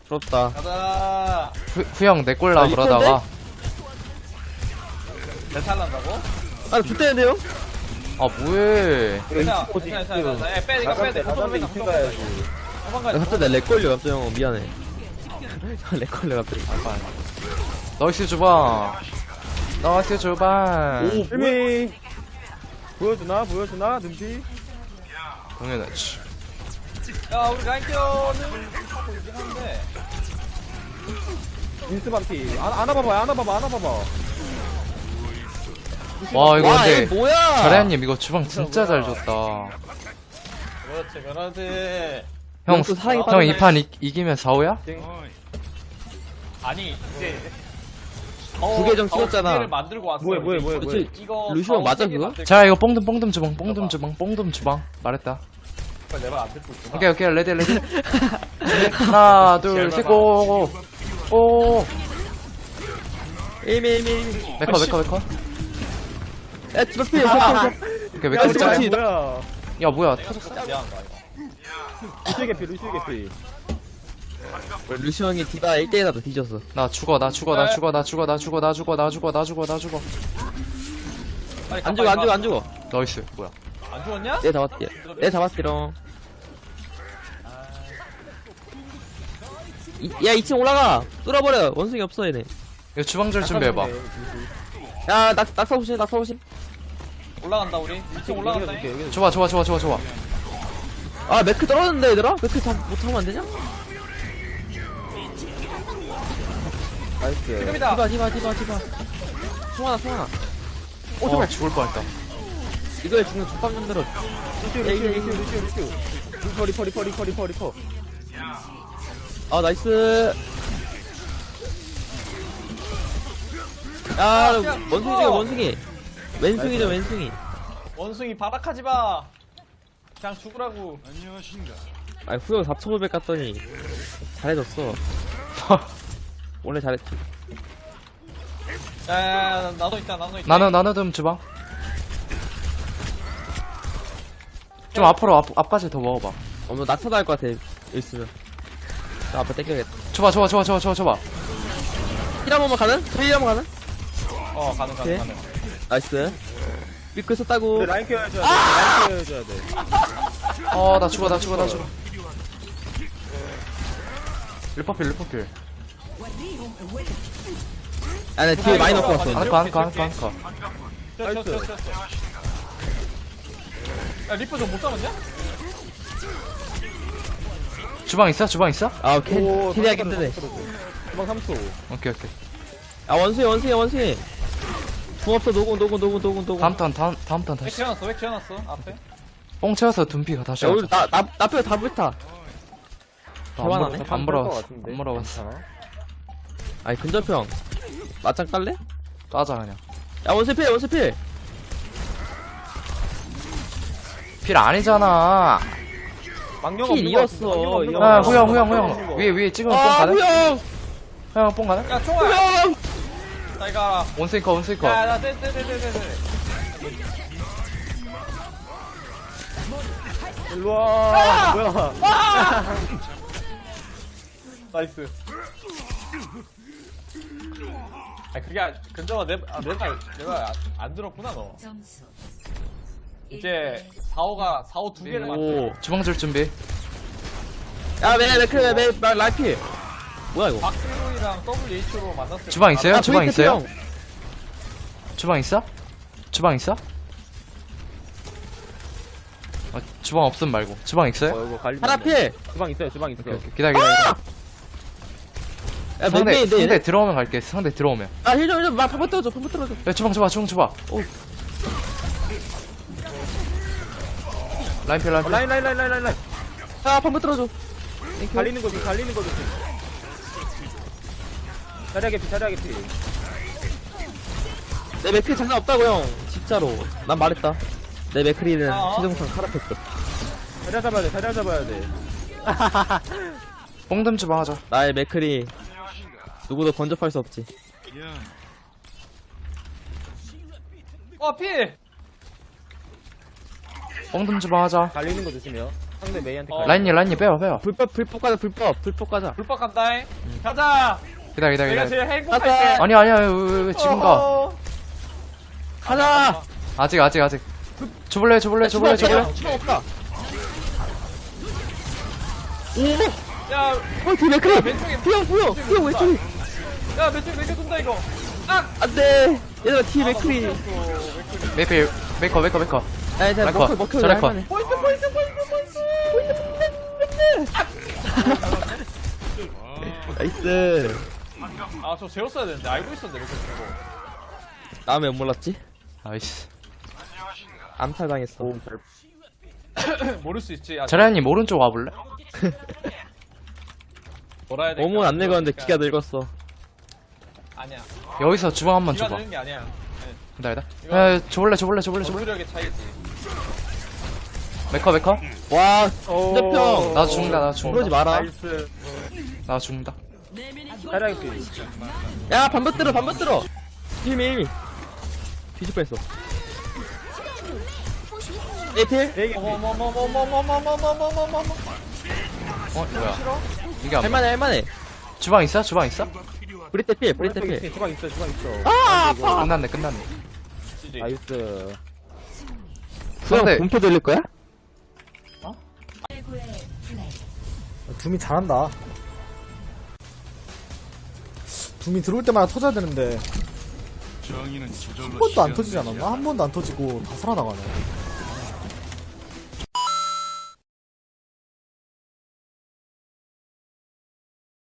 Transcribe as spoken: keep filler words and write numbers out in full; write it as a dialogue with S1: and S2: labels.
S1: 부럽다.
S2: 가자.
S3: 후, 후형 내 꼴라
S1: 아,
S3: 그러다가.
S2: 내 탈란다고?
S1: 아, 붙대는데요?
S3: 아, 뭐해.
S2: 괜찮아, 괜찮아, 괜찮아. 에, 빼, 이거 빼, 이거
S4: 나가면
S2: 빼,
S4: 이층 가야지.
S2: 한번
S1: 야,
S2: 가야지.
S1: 갑자기 내 렉 걸려, 갑자기 형. 미안해. 렉 걸려, 갑자기.
S3: 나이스 주방. 나이스 주방.
S4: 실미 보여주나 보여주나 눈피.
S3: 당연하지.
S2: 야, 우리 라인 케어는 하고 있긴 한데.
S4: 인스 반피. 안 안아봐봐 안아봐봐 안아봐봐.
S3: 와, 이거
S1: 와,
S3: 근데.
S1: 얘 뭐야?
S3: 자리한님 이거 주방 진짜 잘 줬다.
S2: 그렇지, 그렇지.
S3: 형,
S1: 또 사랑이
S3: 형 이 판 이기면 사오야?
S2: 아니, 이제.
S1: 두 개 좀 찍었잖아.
S2: 두 개를 만들고 왔어.
S4: 뭐해 뭐해 뭐해 뭐해.
S1: 그치.
S2: 이거
S1: 루시오 맞아, 그거?
S3: 자, 이거 뽕듬 뽕듬 주방, 뽕듬 주방, 뽕듬 주방. 말했다.
S2: 내가 안 듣고 있구나.
S3: 오케이, 오케이, 레디, 레디. 하나, 둘, 셋, 고! 오!
S1: 에이미, 에이미, 에이미.
S3: 메커, 메커, 메커.
S1: 야, 집앞 피해, 집앞
S3: 오케이,
S4: 야
S3: 메커
S4: 이거
S3: 짤.
S4: 뭐야?
S3: 야, 뭐야, 터졌어.
S2: 미안하다, 이거.
S4: 루시오 개피 루시오 개피.
S1: 루시 형이 디바 일 대 일 하다 뒤졌어.
S3: 나 죽어, 나 죽어, 나 죽어, 나 죽어, 나 죽어, 나 죽어, 나 죽어, 나 죽어, 나 죽어.
S2: 빨리 가,
S1: 안 죽어, 안
S2: 빨리
S1: 죽어,
S2: 가.
S1: 안 죽어.
S3: 나이스, 뭐야.
S2: 안 죽었냐?
S1: 내 잡았디. 내 잡았디롱. 이, 야, 이 층 올라가! 뚫어버려! 원숭이 없어, 얘네.
S3: 이거 주방절 준비해봐.
S1: 야, 낙, 낙사 오신, 낙사 오신.
S2: 올라간다, 우리. 이 층 올라간다.
S4: 여기 여기.
S3: 좋아, 좋아, 좋아, 좋아, 좋아.
S1: 아, 매크 떨어졌는데, 얘들아? 매크 다 못하면 안 되냐?
S4: 나이스.
S2: 지금이다.
S1: 디바, 디바, 디바, 디바. 송하나, 송하나.
S3: 어, 죽을 뻔했다.
S1: 이거에 죽는 족밥 만들어.
S4: 루시오 루시오 루시오 루시오 루시오. 리퍼 리퍼 리퍼 리퍼 리퍼 리퍼.
S1: 아, 나이스. 야, 원숭이 죠 원숭이. 왼숭이죠, 왼숭이.
S2: 원숭이 바락하지 마. 그냥 죽으라고.
S1: 아, 후영 사천오백 갔더니 잘해줬어. 원래 잘했지.
S2: 야, 야, 야, 나도 있다, 나도 있다.
S3: 나는, 나는 좀 주방. 좀 앞으로, 앞, 앞까지 더 먹어봐.
S1: 어, 너 낙사도 할 것 같아. 여기 있으면. 나 앞에 땡겨야겠다.
S3: 줘봐, 줘봐, 줘봐, 줘봐, 줘봐, 줘봐.
S1: 힐 한 번만 가는? 힐 한 번 가는?
S2: 어, 가능, 가능,
S1: 오케이.
S2: 가능.
S1: 나이스. 미끄 썼다고.
S4: 우리 라인 케어 해줘야 돼. 라인 케어 해줘야 돼.
S3: 어, 나 죽어, 나 죽어, 나 죽어. 일퍼필, 일퍼필.
S1: 아, 나 뒤에 많이 넣고 왔어.
S3: 안커, 안커, 안커, 안커.
S2: 뛰어, 뛰어, 뛰어, 뛰어. 야, 리퍼 좀 못 잡았냐?
S3: 주방 있어? 주방 있어?
S1: 아, 캐,
S4: 오,
S1: 캐리하기 힘드네.
S4: 도망 삼 초.
S3: 오케이, 오케이.
S1: 아, 원숭이, 원숭이, 원숭이. 궁 없어, 노공, 노공, 노공, 노공, 노공.
S3: 다음 턴, 다음, 다음 턴
S2: 왜
S3: 다시.
S2: 키워놨어? 왜 키워놨어? 앞에?
S3: 뽕 채워서 둔피가 다시
S1: 야,
S3: 하자.
S1: 우리, 나, 나, 나 빼고 다 불타. 대화나네.
S3: 안 물어봤어. 안 물어봤어.
S1: 아니, 근접형. 맞짱 깔래?
S3: 따자, 그냥.
S1: 야, 원숭이 필, 원숭이 필.
S3: 필 아니잖아.
S4: 망령
S1: 필 이었어, 이거.
S3: 아, 후영, 후영, 후영. 위에, 위에 찍으면 뽕
S1: 아,
S3: 가네?
S1: 후영!
S3: 후영, 뽕 가네?
S2: 야, 총알!
S1: 후영!
S2: 나 이거 알아.
S3: 원스이커, 원스이커.
S2: 야, 나, 떼, 떼, 떼, 떼, 떼, 떼.
S4: 일로와. 뭐야?
S2: 나이스. 아, 그게, 아- 근정아, 내, 아, 내가, 내가 안, 안 들었구나, 너.
S5: 점수
S2: 이제, 사오가, 사오 두 개를 맞춰.
S1: 오.
S3: 주방절 준비.
S1: 야, 매, 매크, 매, 매, 매, 라이필. 뭐야, 이거?
S2: 박스로이랑 더블유에이치로 만났을 때.
S3: 주방 있어요?
S1: 아,
S3: 주방
S1: 포인트
S3: 있어요?
S1: 필요.
S3: 주방 있어? 주방 있어? 아, 주방 없음 말고. 주방 있어요?
S4: 어, 이거 갈리.
S1: 하나 필!
S4: 주방 있어요 주방 있어.
S3: 오케이, 오케이. 기다려, 기다려. 기다려.
S1: 야,
S3: 상대,
S1: 몇
S3: 상대
S1: 개인데?
S3: 들어오면 갈게. 상대 들어오면.
S1: 아, 힐 좀, 힐 좀, 막, 펌프 떨어져, 펌프 떨어져.
S3: 야, 주방 줘봐, 주방 줘봐. 오. 라인필,
S4: 어,
S3: 라인필.
S4: 라인 라인 라인 라인 라인 라인.
S1: 아, 펌프 떨어져.
S4: 갈리는 거지 갈리는 거지. 자리하게 피 자리하게 피.
S1: 내 맥크리 장난 없다고, 형. 진짜로. 난 말했다. 내 맥크리는
S2: 어?
S1: 최종상 카라페트.
S4: 자리 잡아야 돼 자리 잡아야 돼.
S3: 뽕듬 주방 하자.
S1: 나의 맥크리. 누구도 건접할 수 없지.
S2: 어, 필!
S3: 뽕듬 주방 하자.
S4: 갈리는 거 조심해요. 상대 메이한테
S2: 어.
S3: 라인님 라인님 빼요 빼요.
S1: 불법 불법 가자 불법 불법 가자.
S2: 불법 간다잉. 가자.
S3: 기다려 기다려
S2: 내가
S3: 기다려.
S2: 제일
S1: 가자.
S2: 행복할게.
S3: 아니 아니야 왜, 왜, 왜 지금 가?
S2: 어.
S1: 가자.
S3: 아직 아직 아직. 줘볼래 줘볼래 줘볼래 줘볼래.
S1: 주방 없다.
S2: 야,
S1: 어 뒤에 그래.
S2: 왼쪽에
S1: 피형 피형 피형 왼쪽에.
S2: 야, 왼쪽에 맥주 돈다 이거. 아,
S1: 안돼. 얘들아 뒤에 맥크리.
S3: 메이필 메이커 메이커 메이커.
S1: 아니 자
S3: 라이커,
S1: 먹혀 먹혀.
S3: 저 라이커.
S2: 포인트 포인트 포인트 포인트.
S1: 나이스.
S2: 아, 저 재웠어야 되는데 알고 있었는데 이렇게 주고.
S1: 다음에 못 몰랐지?
S3: 아이씨.
S1: 암살 당했어.
S2: 모를 수 있지. 아,
S3: 자리아님 오른쪽 와볼래?
S2: 돌아야 돼.
S1: 몸은 안 늙었는데 기가 늙었어.
S2: 아니야.
S3: 여기서 주방 한번
S2: 기가
S3: 줘봐.
S2: 되는 게 아니야.
S3: 기다려 기다려. 야 줘볼래 줘볼래 줘볼래 줘볼래.
S2: 전투력의 차이지.
S3: 메이커 메이커.
S1: 와 진짜평.
S3: 나 죽는다 나 죽는다.
S1: 그러지 마라.
S4: 나이스.
S3: 나 죽는다.
S4: 자리하게
S1: 야 반박 들어 반박 들어. 일미 일미. 뒤질 뻔했어. 에필.
S4: 되게
S2: 어머머머머머머머머머머머머.
S3: 어 뭐야? 이게 안.
S1: 할만해 할만해.
S3: 주방 있어 주방 있어?
S1: 브리테 필 브리테 필.
S4: 주방 있어 주방 있어.
S1: 아 아파.
S3: 끝났네 끝났네.
S2: 지지.
S4: 나이스.
S3: 상대
S1: 그럼 공표 돌릴 거야?
S5: 둠이 잘한다. 둠이 들어올 때마다 터져야 되는데 한 번도 안 터지지 않았나? 한 번도 안 터지고 다 살아나가네.